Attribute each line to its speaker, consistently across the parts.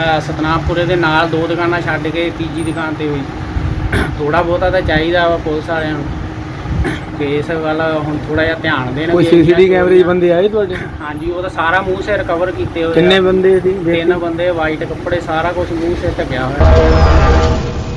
Speaker 1: ਸਤਨਾਮਪੁਰੇ ਦੇ ਨਾਲ 2 ਦੁਕਾਨਾਂ ਛੱਡ ਕੇ ਤੀਜੀ ਦੁਕਾਨ ਤੇ ਹੋਈ। ਥੋੜਾ ਬਹੁਤਾ ਤਾਂ ਚਾਹੀਦਾ ਵਾ ਪੁਲਿਸ ਵਾਲਿਆਂ ਨੂੰ ਕਿ ਇਸ ਵੱਲ ਹੁਣ ਥੋੜਾ ਜਿਹਾ ਧਿਆਨ ਦੇਣ।
Speaker 2: ਕੋਈ ਸੀਸੀਟੀਵੀ ਕੈਮਰੇ 'ਚ ਬੰਦੇ ਆਏ ਤੁਹਾਡੇ?
Speaker 1: ਹਾਂਜੀ, ਉਹਦਾ ਸਾਰਾ ਮੂੰਹ ਸਿਰ ਕਵਰ ਕੀਤੇ ਹੋਏ।
Speaker 2: ਕਿੰਨੇ ਬੰਦੇ ਸੀ?
Speaker 1: 3 ਬੰਦੇ, ਵਾਈਟ ਕੱਪੜੇ, ਸਾਰਾ ਕੁਝ ਮੂੰਹ ਸਿਰ ਢੱਕਿਆ ਹੋਇਆ।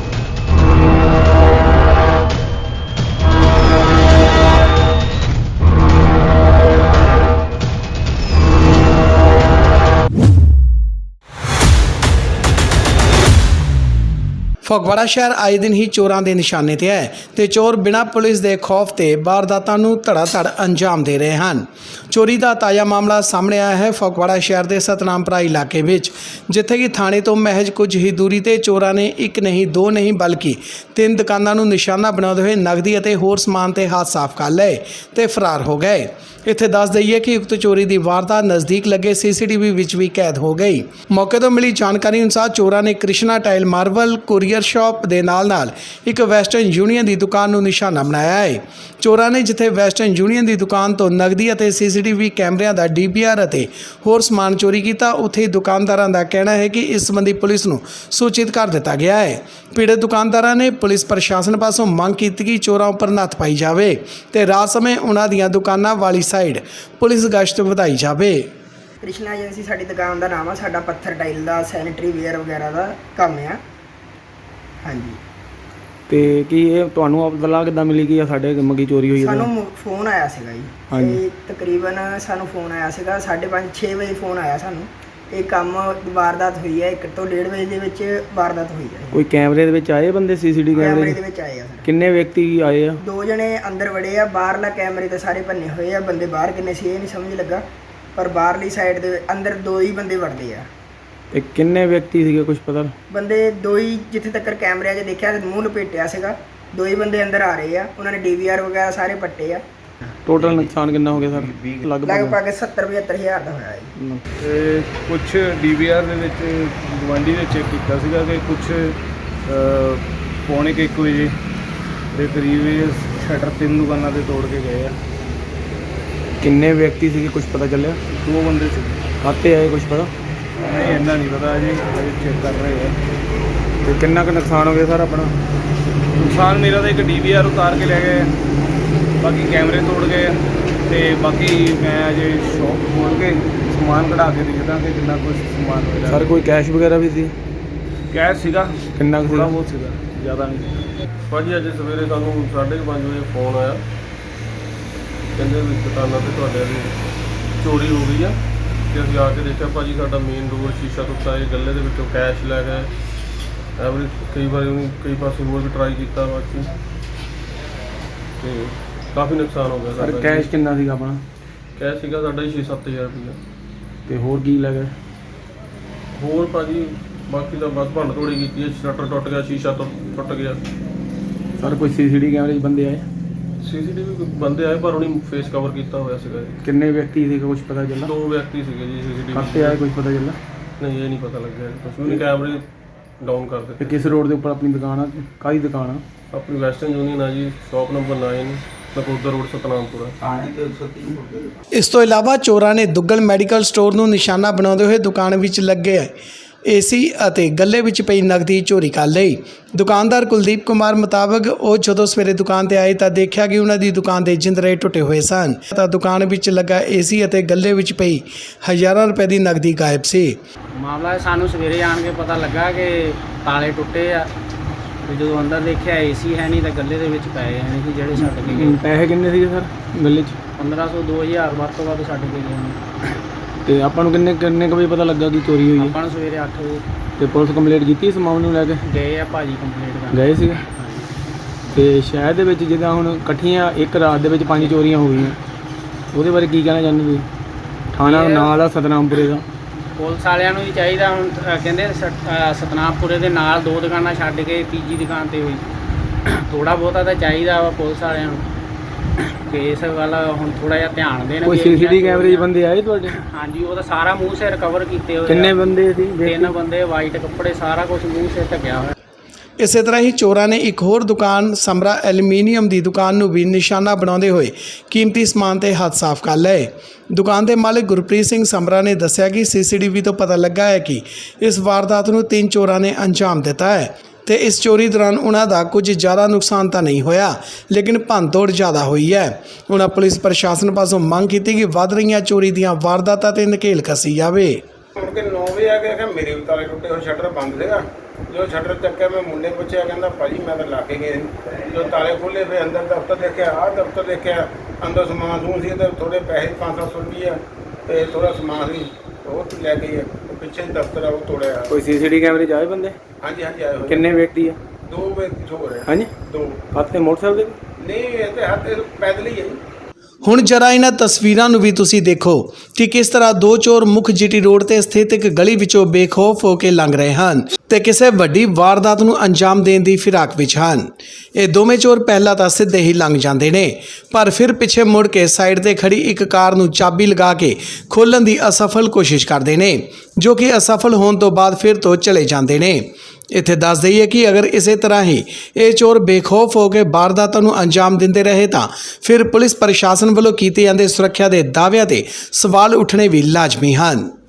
Speaker 3: ਫਗਵਾੜਾ ਸ਼ਹਿਰ ਆਏ ਦਿਨ ਹੀ ਚੋਰਾਂ ਦੇ ਨਿਸ਼ਾਨੇ ਤੇ ਹੈ ਤੇ ਚੋਰ ਬਿਨਾਂ ਪੁਲਿਸ ਦੇ ਖੌਫ ਤੇ ਵਾਰਦਾਤਾਂ ਨੂੰ ਧੜਾ-ਧੜ ਅੰਜਾਮ ਦੇ ਰਹੇ ਹਨ। ਚੋਰੀ ਦਾ ਤਾਜ਼ਾ ਮਾਮਲਾ ਸਾਹਮਣੇ ਆਇਆ ਹੈ ਫਗਵਾੜਾ ਸ਼ਹਿਰ ਦੇ ਸਤਨਾਮਪੁਰਾ ਇਲਾਕੇ ਵਿੱਚ, ਜਿੱਥੇ ਕਿ ਥਾਣੇ ਤੋਂ ਮਹਿਜ ਕੁਝ ਹੀ ਦੂਰੀ ਤੇ ਚੋਰਾਂ ਨੇ 1 ਨਹੀਂ 2 ਨਹੀਂ ਬਲਕਿ 3 ਦੁਕਾਨਾਂ ਨੂੰ ਨਿਸ਼ਾਨਾ ਬਣਾਉਂਦੇ ਹੋਏ ਨਗਦੀ ਅਤੇ ਹੋਰ ਸਮਾਨ ਤੇ ਹੱਥ ਸਾਫ਼ ਕਰ ਲਏ ਤੇ ਫਰਾਰ ਹੋ ਗਏ। ਇੱਥੇ ਦੱਸ ਦਈਏ ਕਿ ਉਕਤ ਚੋਰੀ ਦੀ ਵਾਰਦਾਤ ਨਜ਼ਦੀਕ ਲੱਗੇ ਸੀਸੀਟੀਵੀ ਵਿੱਚ ਵੀ ਕੈਦ ਹੋ ਗਈ। ਮੌਕੇ ਤੋਂ ਮਿਲੀ ਜਾਣਕਾਰੀ ਅਨੁਸਾਰ ਚੋਰਾਂ ਨੇ Krishna tile marble courier shop ਦੇ ਨਾਲ ਇੱਕ ਵੈਸਟਰਨ ਯੂਨੀਅਨ ਦੀ ਦੁਕਾਨ ਨੂੰ ਨਿਸ਼ਾਨਾ ਬਣਾਇਆ ਹੈ। ਚੋਰਾਂ ਨੇ ਜਿੱਥੇ ਵੈਸਟਰਨ ਯੂਨੀਅਨ ਦੀ ਦੁਕਾਨ ਤੋਂ ਨਗਦੀ ਅਤੇ ਸੀਸੀਟੀਵੀ ਕੈਮਰਿਆਂ ਦਾ DVR ਅਤੇ ਹੋਰ ਸਮਾਨ ਚੋਰੀ ਕੀਤਾ, ਉੱਥੇ ਹੀ ਦੁਕਾਨਦਾਰਾਂ ਦਾ ਕਹਿਣਾ ਹੈ ਕਿ ਇਸ ਸੰਬੰਧੀ ਪੁਲਿਸ ਨੂੰ ਸੂਚਿਤ ਕਰ ਦਿੱਤਾ ਗਿਆ ਹੈ। ਪੀੜਤ ਦੁਕਾਨਦਾਰਾਂ ਨੇ ਪੁਲਿਸ ਪ੍ਰਸ਼ਾਸਨ ਪਾਸੋਂ ਮੰਗ ਕੀਤੀ ਕਿ ਚੋਰਾਂ ਉੱਪਰ ਨੱਥ ਪਾਈ ਜਾਵੇ ਤੇ ਰਾਤ ਸਮੇਂ ਉਹਨਾਂ ਦੀਆਂ ਦੁਕਾਨਾਂ ਵਾਲੀ ਸਾਈਡ ਪੁਲਿਸ ਗਸ਼ਤ ਵਧਾਈ ਜਾਵੇ।
Speaker 4: ਕ੍ਰਿਸ਼ਨਾ ਏਜੰਸੀ ਸਾਡੀ ਦੁਕਾਨ ਦਾ ਨਾਮ ਆ। ਸਾਡਾ ਪੱਥਰ ਟਾਈਲ ਦਾ, ਸੈਨੀਟਰੀ ਵੇਅਰ ਵਗੈਰਾ ਦਾ ਕੰਮ ਆ। ਹਾਂਜੀ।
Speaker 2: ਤੇ ਕੀ ਇਹ ਤੁਹਾਨੂੰ ਪਤਾ ਕਿੱਦਾਂ ਮਿਲੀ ਕਿ ਸਾਡੇ ਮੰਗੀ ਚੋਰੀ ਹੋਈ ਹੈ?
Speaker 4: ਸਾਨੂੰ ਫੋਨ ਆਇਆ ਸੀਗਾ ਜੀ।
Speaker 2: ਹਾਂਜੀ।
Speaker 4: ਤੇ ਤਕਰੀਬਨ ਸਾਨੂੰ ਫੋਨ ਆਇਆ ਸੀਗਾ 5:30 6 ਵਜੇ ਫੋਨ ਆਇਆ ਸਾਨੂੰ। ਇਹ ਕੰਮ ਵਾਰਦਾਤ ਹੋਈ ਹੈ 1 ਤੋਂ 1:30 ਵਜੇ ਦੇ ਵਿੱਚ ਵਾਰਦਾਤ ਹੋਈ ਹੈ।
Speaker 2: ਕੋਈ ਕੈਮਰੇ ਦੇ ਵਿੱਚ ਆਏ ਬੰਦੇ? ਸੀਸੀਟੀਵੀ
Speaker 4: ਕੈਮਰੇ ਦੇ ਵਿੱਚ ਆਏ ਆ ਸਰ।
Speaker 2: ਕਿੰਨੇ ਵਿਅਕਤੀ ਆਏ ਆ?
Speaker 4: 2 ਜਣੇ ਅੰਦਰ ਵੜੇ ਆ। ਬਾਹਰਲਾ ਕੈਮਰੇ ਤੇ ਸਾਰੇ ਭੰਨੇ ਹੋਏ ਆ। ਬੰਦੇ ਬਾਹਰ ਕਿੰਨੇ ਸੀ ਇਹ ਨਹੀਂ ਸਮਝ ਲੱਗਾ, ਪਰ ਬਾਹਰਲੀ ਸਾਈਡ ਦੇ ਅੰਦਰ 2 ਹੀ ਬੰਦੇ ਵੜਦੇ ਆ।
Speaker 2: ਤੇ ਕਿੰਨੇ ਵਿਅਕਤੀ ਸੀਗੇ ਕੁਝ ਪਤਾ?
Speaker 4: ਬੰਦੇ 2 ਹੀ, ਜਿੱਥੇ ਤੱਕ ਕੈਮਰਿਆਂ 'ਚ ਦੇਖਿਆ ਮੂੰਹ ਲਪੇਟਿਆ ਸੀਗਾ। 2 ਹੀ ਬੰਦੇ ਅੰਦਰ ਆ ਰਹੇ ਆ। ਉਹਨਾਂ ਨੇ DVR ਵਗੈਰਾ ਸਾਰੇ ਪੱਟੇ ਆ।
Speaker 2: ਟੋਟਲ ਨੁਕਸਾਨ ਕਿੰਨਾ ਹੋ ਗਿਆ ਸਰ?
Speaker 4: ਲਗਭਗ 70-75 ਹਜ਼ਾਰ ਦਾ ਹੋਇਆ ਜੀ।
Speaker 5: ਤੇ ਕੁਝ DVR ਦੇ ਵਿੱਚ ਗਵਾਂਢੀ ਨੇ ਚੈੱਕ ਕੀਤਾ ਸੀਗਾ ਕਿ ਕੁਝ ਪੌਣੇ 1 ਵਜੇ ਦੇ ਕਰੀਬ ਇਹ ਸ਼ਟਰ 3 ਦੁਕਾਨਾਂ ਤੇ ਤੋੜ ਕੇ ਗਏ ਆ।
Speaker 2: ਕਿੰਨੇ ਵਿਅਕਤੀ ਸੀਗੇ ਕੁਝ ਪਤਾ ਚੱਲਿਆ?
Speaker 5: 2 ਬੰਦੇ ਸੀ।
Speaker 2: ਖਾਤੇ ਆਏ ਕੁਝ ਪਤਾ?
Speaker 5: ਨਹੀਂ, ਇੰਨਾ ਨਹੀਂ ਪਤਾ ਜੀ, ਚੈੱਕ ਕਰ ਰਹੇ ਆ।
Speaker 2: ਤੇ ਕਿੰਨਾ ਕੁ ਨੁਕਸਾਨ ਹੋ ਗਿਆ ਸਰ ਆਪਣਾ?
Speaker 5: ਨੁਕਸਾਨ ਮੇਰਾ ਤਾਂ ਇੱਕ DVR ਉਤਾਰ ਕੇ ਲੈ ਗਏ, ਬਾਕੀ ਕੈਮਰੇ ਤੋੜ ਗਏ ਤੇ ਬਾਕੀ ਮੈਂ ਅਜੇ ਸ਼ੌਪ ਖੋਲ੍ਹ ਕੇ ਸਮਾਨ ਕਢਾ ਕੇ ਦੇਖਦਾ ਕਿ ਕਿੰਨਾ ਕੁਝ ਸਮਾਨ ਹੋਇਆ।
Speaker 2: ਸਰ ਕੋਈ ਕੈਸ਼ ਵਗੈਰਾ ਵੀ ਸੀ?
Speaker 5: ਕੈਸ਼ ਸੀਗਾ
Speaker 2: ਕਿੰਨਾ ਕੁ
Speaker 5: ਥੋੜ੍ਹਾ
Speaker 2: ਸੀਗਾ?
Speaker 5: ਬਹੁਤ ਸੀਗਾ, ਜ਼ਿਆਦਾ ਨਹੀਂ।
Speaker 6: ਭਾਜੀ ਅੱਜ ਸਵੇਰੇ ਸਾਨੂੰ 5:30 ਵਜੇ ਫੋਨ ਆਇਆ, ਕਹਿੰਦੇ ਵੀ ਦੁਕਾਨਾਂ ਤੇ ਤੁਹਾਡੇ ਦੀ ਚੋਰੀ ਹੋ ਗਈ ਆ। ਤੇ ਅਸੀਂ ਆ ਕੇ ਦੇਖਿਆ ਭਾਜੀ ਸਾਡਾ ਮੇਨ ਡੋਰ ਸ਼ੀਸ਼ਾ ਟੁੱਟਾ ਹੈ, ਗੱਲੇ ਦੇ ਵਿੱਚੋਂ ਕੈਸ਼ ਲੈ ਗਏ। ਐਵਰੀ ਕਈ ਪਾਸੇ ਹੋਰ ਵੀ ਟਰਾਈ ਕੀਤਾ ਬਾਕੀ, ਤੇ ਕਾਫੀ ਨੁਕਸਾਨ ਹੋ ਗਿਆ
Speaker 2: ਸਰ
Speaker 6: ਸਾਡਾ।
Speaker 2: ਕੈਸ਼ ਕਿੰਨਾ ਸੀਗਾ ਆਪਣਾ?
Speaker 6: ਕੈਸ਼ ਸੀਗਾ ਸਾਡਾ 6-7 ਹਜ਼ਾਰ ਰੁਪਇਆ।
Speaker 2: ਤੇ ਹੋਰ ਕੀ ਲੈ ਗਏ?
Speaker 6: ਹੋਰ ਭਾਜੀ ਬਾਕੀ ਤਾਂ ਬਸ ਭੰਨ ਤੋੜੀ ਕੀਤੀ ਹੈ, ਸ਼ਟਰ ਟੁੱਟ ਗਿਆ, ਸ਼ੀਸ਼ਾ ਟੁੱਟ ਗਿਆ।
Speaker 2: ਸਰ ਕੋਈ CCTV ਕੈਮਰੇ 'ਚ ਬੰਦੇ ਆਏ?
Speaker 6: CCTV ਬੰਦੇ ਆਏ ਪਰ ਉਹਨੇ ਫੇਸ ਕਵਰ ਕੀਤਾ ਹੋਇਆ ਸੀਗਾ ਜੀ।
Speaker 2: ਕਿੰਨੇ ਵਿਅਕਤੀ ਸੀਗੇ ਕੁਝ ਪਤਾ ਚੱਲਾ?
Speaker 6: 2 ਵਿਅਕਤੀ ਸੀਗੇ ਜੀ। CCTV
Speaker 2: ਖਾਤੇ ਆਏ ਕੁਝ ਪਤਾ ਚੱਲਾ?
Speaker 6: ਨਹੀਂ, ਇਹ ਨਹੀਂ ਪਤਾ ਲੱਗਿਆ ਕੁਛ ਵੀ ਨਹੀਂ। ਕੈਮਰੇ ਡਾਊਨ ਕਰ
Speaker 2: ਤੇ
Speaker 6: ਦਿੱਤੇ।
Speaker 2: ਕਿਸ ਰੋਡ ਦੇ ਉੱਪਰ ਆਪਣੀ ਦੁਕਾਨ ਆ? ਕਾਹਦੀ ਦੁਕਾਨ ਆ?
Speaker 6: ਆਪਣੀ ਵੈਸਟਰਨ ਯੂਨੀਅਨ ਆ ਜੀ, shop number 9, Nakodar road, Satnampura.
Speaker 3: ਇਸ ਤੋਂ ਇਲਾਵਾ ਚੋਰਾਂ ਨੇ ਦੁੱਗਲ ਮੈਡੀਕਲ ਸਟੋਰ ਨੂੰ ਨਿਸ਼ਾਨਾ ਬਣਾਉਂਦੇ ਹੋਏ ਦੁਕਾਨ ਵਿੱਚ ਲੱਗੇ AC ਅਤੇ ਗੱਲੇ ਵਿੱਚ ਪਈ ਨਕਦੀ ਚੋਰੀ ਕਰ ਲਈ। ਦੁਕਾਨਦਾਰ ਕੁਲਦੀਪ ਕੁਮਾਰ ਮੁਤਾਬਕ ਉਹ ਜਦੋਂ ਸਵੇਰੇ ਦੁਕਾਨ ਤੇ ਆਏ ਤਾਂ ਦੇਖਿਆ ਕਿ ਉਹਨਾਂ ਦੀ ਦੁਕਾਨ ਦੇ ਜਿੰਦਰੇ ਟੁੱਟੇ ਹੋਏ ਸਨ ਤਾਂ ਦੁਕਾਨ ਵਿੱਚ ਲੱਗਾ AC ਅਤੇ ਗੱਲੇ ਵਿੱਚ ਪਈ ਹਜ਼ਾਰਾਂ ਰੁਪਏ ਦੀ ਨਕਦੀ ਗਾਇਬ ਸੀ।
Speaker 1: ਮਾਮਲਾ ਸਾਨੂੰ ਸਵੇਰੇ ਆਣ ਕੇ ਪਤਾ ਲੱਗਾ ਕਿ ਤਾਲੇ ਟੁੱਟੇ ਆ। ਤੇ ਜਦੋਂ ਅੰਦਰ ਦੇਖਿਆ AC ਹੈ ਨਹੀਂ ਤਾਂ ਗੱਲੇ ਦੇ ਵਿੱਚ ਪਏ ਹੈ ਨਹੀਂ ਜਿਹੜੇ ਛੱਡ ਕੇ ਗਏ।
Speaker 2: ਪੈਸੇ ਕਿੰਨੇ ਸੀਗੇ ਸਰ ਗੱਲੇ 'ਚ?
Speaker 1: 1500 2000 ਵੱਧ ਤੋਂ ਵੱਧ ਛੱਡ ਕੇ ਗਏ ਨੇ।
Speaker 2: ਤੇ ਆਪਾਂ ਨੂੰ ਕਿੰਨੇ ਕੁ ਵਜੇ ਪਤਾ ਲੱਗਾ ਕਿ ਚੋਰੀ ਹੋਈ ਹੈ?
Speaker 1: ਆਪਾਂ ਨੂੰ ਸਵੇਰੇ 8 ਵਜੇ
Speaker 2: ਤੇ ਪੁਲਿਸ ਕੰਪਲੇਂਟ ਕੀਤੀ ਇਸ ਮਾਮਲੇ ਨੂੰ ਲੈ ਕੇ?
Speaker 1: ਗਏ ਆ ਭਾਜੀ ਕੰਪਲੀਟ ਕਰਨ।
Speaker 2: ਗਏ ਸੀਗੇ। ਤੇ ਸ਼ਹਿਰ ਦੇ ਵਿੱਚ ਜਿੱਦਾਂ ਹੁਣ ਇਕੱਠੀਆਂ ਇੱਕ ਰਾਤ ਦੇ ਵਿੱਚ 5 ਚੋਰੀਆਂ ਹੋ ਗਈਆਂ, ਉਹਦੇ ਬਾਰੇ ਕੀ ਕਹਿਣਾ ਚਾਹੁੰਦੇ ਤੁਸੀਂ? ਥਾਣਾ ਨਾਲ ਆ ਸਤਨਾਮਪੁਰੇ ਦਾ।
Speaker 1: ਪੁਲਿਸ ਵਾਲਿਆਂ ਨੂੰ ਵੀ ਚਾਹੀਦਾ ਹੁਣ ਕਹਿੰਦੇ ਸਤਨਾਮਪੁਰੇ ਦੇ ਨਾਲ 2 ਦੁਕਾਨਾਂ ਛੱਡ ਕੇ ਤੀਜੀ ਦੁਕਾਨ ਤੇ ਹੋਈ। ਥੋੜਾ ਬਹੁਤਾ ਤਾਂ ਚਾਹੀਦਾ ਵਾ ਪੁਲਿਸ ਵਾਲਿਆਂ ਨੂੰ ਕਿ ਇਸ ਵੱਲ ਹੁਣ ਥੋੜਾ ਜਿਹਾ ਧਿਆਨ ਦੇਣ।
Speaker 2: ਕੋਈ CCTV ਕੈਮਰੇ 'ਚ ਬੰਦੇ ਆਏ ਤੁਹਾਡੇ?
Speaker 1: ਹਾਂਜੀ, ਉਹਦਾ ਸਾਰਾ ਮੂੰਹ ਸਿਰ ਕਵਰ ਕੀਤੇ ਹੋਏ।
Speaker 2: ਕਿੰਨੇ ਬੰਦੇ ਸੀ?
Speaker 1: 3 ਬੰਦੇ, ਵਾਈਟ ਕੱਪੜੇ, ਸਾਰਾ ਕੁਝ ਮੂੰਹ ਸਿਰ ਢੱਕਿਆ ਹੋਇਆ।
Speaker 3: ਇਸੇ ਤਰ੍ਹਾਂ ਹੀ ਚੋਰਾਂ ਨੇ ਇੱਕ ਹੋਰ ਦੁਕਾਨ ਸਮਰਾ ਐਲੂਮੀਨੀਅਮ ਦੀ ਦੁਕਾਨ ਨੂੰ ਵੀ ਨਿਸ਼ਾਨਾ ਬਣਾਉਂਦੇ ਹੋਏ ਕੀਮਤੀ ਸਮਾਨ ਤੇ ਹੱਥ ਸਾਫ਼ ਕਰ ਲਏ। ਦੁਕਾਨ ਦੇ ਮਾਲਕ ਗੁਰਪ੍ਰੀਤ ਸਿੰਘ ਸਮਰਾ ਨੇ ਦੱਸਿਆ ਕਿ ਸੀਸੀਟੀਵੀ ਤੋਂ ਪਤਾ ਲੱਗਾ ਹੈ ਕਿ ਇਸ ਵਾਰਦਾਤ ਨੂੰ 3 ਚੋਰਾਂ ਨੇ ਅੰਜਾਮ ਦਿੱਤਾ ਹੈ ਤੇ ਇਸ ਚੋਰੀ ਦੌਰਾਨ ਉਹਨਾਂ ਦਾ ਕੁਝ ਜ਼ਿਆਦਾ ਨੁਕਸਾਨ ਤਾਂ ਨਹੀਂ ਹੋਇਆ, ਲੇਕਿਨ ਭੰਨਤੋੜ ਜ਼ਿਆਦਾ ਹੋਈ ਹੈ। ਉਹਨਾਂ ਪੁਲਿਸ ਪ੍ਰਸ਼ਾਸਨ ਪਾਸੋਂ ਮੰਗ ਕੀਤੀ ਕਿ ਵੱਧ ਰਹੀਆਂ ਚੋਰੀ ਦੀਆਂ ਵਾਰਦਾਤਾਂ ਤੇ ਨਕੇਲ ਕੱਸੀ ਜਾਵੇ।
Speaker 7: ਮੁੜ ਕੇ 9 ਵਜੇ ਆ ਕੇ ਮੇਰੇ ਵੀ ਤਾਲੇ ਟੁੱਟੇ ਹੋਏ, ਸ਼ਟਰ ਬੰਦ ਸੀਗਾ। ਜੋ ਸ਼ਟਰ ਚੱਕਿਆ ਮੈਂ ਮੁੰਡੇ ਪੁੱਛਿਆ, ਕਹਿੰਦਾ ਭਾਜੀ ਮੈਂ ਤਾਂ ਲਾ ਕੇ ਗਿਆ। ਜੋ ਤਾਲੇ ਖੋਲ੍ਹੇ ਫਿਰ ਅੰਦਰ ਦਫ਼ਤਰ ਦੇਖਿਆ, ਆਹ ਦਫ਼ਤਰ ਦੇਖਿਆ, ਅੰਦਰ ਸਮਾਨ ਸਮੂਨ ਸੀ ਤੇ ਥੋੜ੍ਹੇ ਪੈਸੇ 500 ਰੁਪਈਆ ਤੇ ਥੋੜ੍ਹਾ ਸਮਾਨ ਸੀ ਉਹ ਲੈ ਗਈ। ਪਿੱਛੇ ਦਫ਼ਤਰ ਆ ਉਹ ਤੋੜਿਆ।
Speaker 2: ਕੋਈ ਸੀਸੀਟੀਵੀ ਕੈਮਰੇ 'ਚ ਆਏ ਬੰਦੇ?
Speaker 7: ਹਾਂਜੀ ਆਏ ਹੋਏ।
Speaker 2: ਕਿੰਨੇ ਵਿਅਕਤੀ ਆ?
Speaker 7: 2 ਵਿਅਕਤੀ ਹੋ ਰਹੇ।
Speaker 2: ਹਾਂਜੀ,
Speaker 7: 2
Speaker 2: ਹੱਥ ਤੇ ਮੋਟਰਸਾਈਕਲ ਦੇ?
Speaker 7: ਨਹੀਂ ਇਹ ਤੇ ਹੱਥ ਪੈਦਲ ਹੀ ਹੈ ਜੀ।
Speaker 3: ਹੁਣ ਜਰਾ ਇਹਨਾਂ ਤਸਵੀਰਾਂ ਨੂੰ ਵੀ ਤੁਸੀਂ ਦੇਖੋ ਕਿ ਕਿਸ ਤਰ੍ਹਾਂ 2 ਚੋਰ ਮੁੱਖ ਜੀਟੀ ਰੋਡ ਤੇ ਸਥਿਤ ਇੱਕ ਗਲੀ ਵਿੱਚੋਂ ਬੇਖੌਫ ਹੋ ਕੇ ਲੰਘ ਰਹੇ ਹਨ ਤੇ ਕਿਸੇ ਵੱਡੀ ਵਾਰਦਾਤ ਨੂੰ ਅੰਜਾਮ ਦੇਣ ਦੀ ਫਿਰਾਕ ਵਿੱਚ ਹਨ। ਇਹ ਦੋਵੇਂ ਚੋਰ ਪਹਿਲਾਂ ਤਾਂ ਸਿੱਧੇ ਹੀ ਲੰਘ ਜਾਂਦੇ ਨੇ, ਪਰ ਫਿਰ ਪਿੱਛੇ ਮੁੜ ਕੇ ਸਾਈਡ ਤੇ ਖੜੀ ਇੱਕ ਕਾਰ ਨੂੰ ਚਾਬੀ ਲਗਾ ਕੇ ਖੋਲ੍ਹਣ ਦੀ ਅਸਫਲ ਕੋਸ਼ਿਸ਼ ਕਰਦੇ ਨੇ, ਜੋ ਕਿ ਅਸਫਲ ਹੋਣ ਤੋਂ ਬਾਅਦ ਫਿਰ ਤੋਂ ਚਲੇ ਜਾਂਦੇ ਨੇ। ਇੱਥੇ ਦੱਸ ਦਈਏ ਕਿ ਅਗਰ ਇਸੇ ਤਰ੍ਹਾਂ ਹੀ ਇਹ ਚੋਰ ਬੇਖੌਫ ਹੋ ਕੇ ਵਾਰਦਾਤਾਂ ਨੂੰ ਅੰਜਾਮ ਦਿੰਦੇ ਰਹੇ ਤਾਂ ਫਿਰ ਪੁਲਿਸ ਪ੍ਰਸ਼ਾਸਨ ਵੱਲੋਂ ਕੀਤੇ ਜਾਂਦੇ ਸੁਰੱਖਿਆ ਦੇ ਦਾਅਵਿਆਂ ਤੇ ਸਵਾਲ ਉੱਠਣੇ ਵੀ ਲਾਜ਼ਮੀ ਹਨ।